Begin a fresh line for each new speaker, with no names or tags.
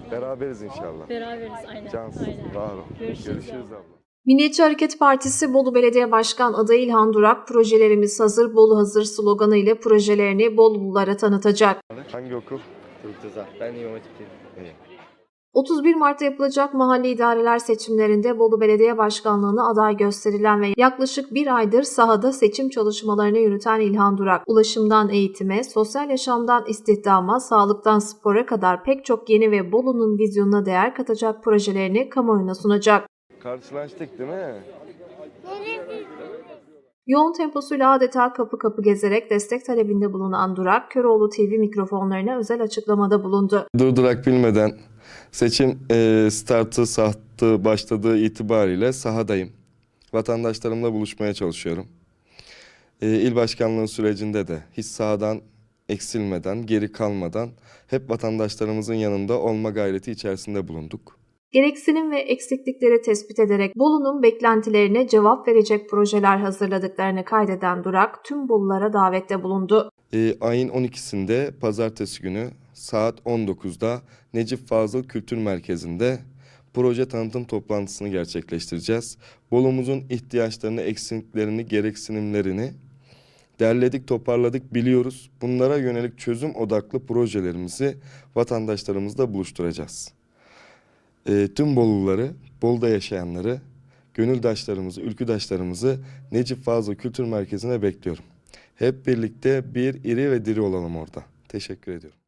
Beraberiz inşallah.
Beraberiz aynen.
Cansın,
Aynen.
var ol.
Görüşürüz
abla.
Milliyetçi Hareket Partisi Bolu Belediye Başkan adayı İlhan Durak, "Projelerimiz hazır, Bolu hazır" sloganı ile projelerini Bolululara tanıtacak.
Hangi okul?
Turkuza. Ben İmam Hatip'teyim.
İyi.
31 Mart'ta yapılacak mahalli idareler seçimlerinde Bolu Belediye Başkanlığı'na aday gösterilen ve yaklaşık bir aydır sahada seçim çalışmalarını yürüten İlhan Durak, ulaşımdan eğitime, sosyal yaşamdan istihdama, sağlıktan spora kadar pek çok yeni ve Bolu'nun vizyonuna değer katacak projelerini kamuoyuna sunacak.
Karşılaştık değil mi?
Yoğun temposuyla adeta kapı kapı gezerek destek talebinde bulunan Durak, Köroğlu TV mikrofonlarına özel açıklamada bulundu.
Durdurak bilmeden seçim startı başladığı itibariyle sahadayım. Vatandaşlarımla buluşmaya çalışıyorum. İl başkanlığı sürecinde de hiç sahadan eksilmeden, geri kalmadan hep vatandaşlarımızın yanında olma gayreti içerisinde bulunduk.
Gereksinim ve eksiklikleri tespit ederek Bolu'nun beklentilerine cevap verecek projeler hazırladıklarını kaydeden Durak, tüm Bolulara davette bulundu.
Ayın 12'sinde pazartesi günü saat 19'da Necip Fazıl Kültür Merkezi'nde proje tanıtım toplantısını gerçekleştireceğiz. Bolu'muzun ihtiyaçlarını, eksiklerini, gereksinimlerini derledik, toparladık, biliyoruz. Bunlara yönelik çözüm odaklı projelerimizi vatandaşlarımızla buluşturacağız. Tüm Boluluları, Bolu'da yaşayanları, gönüldaşlarımızı, ülküdaşlarımızı Necip Fazıl Kültür Merkezi'ne bekliyorum. Hep birlikte bir iri ve diri olalım orada. Teşekkür ediyorum.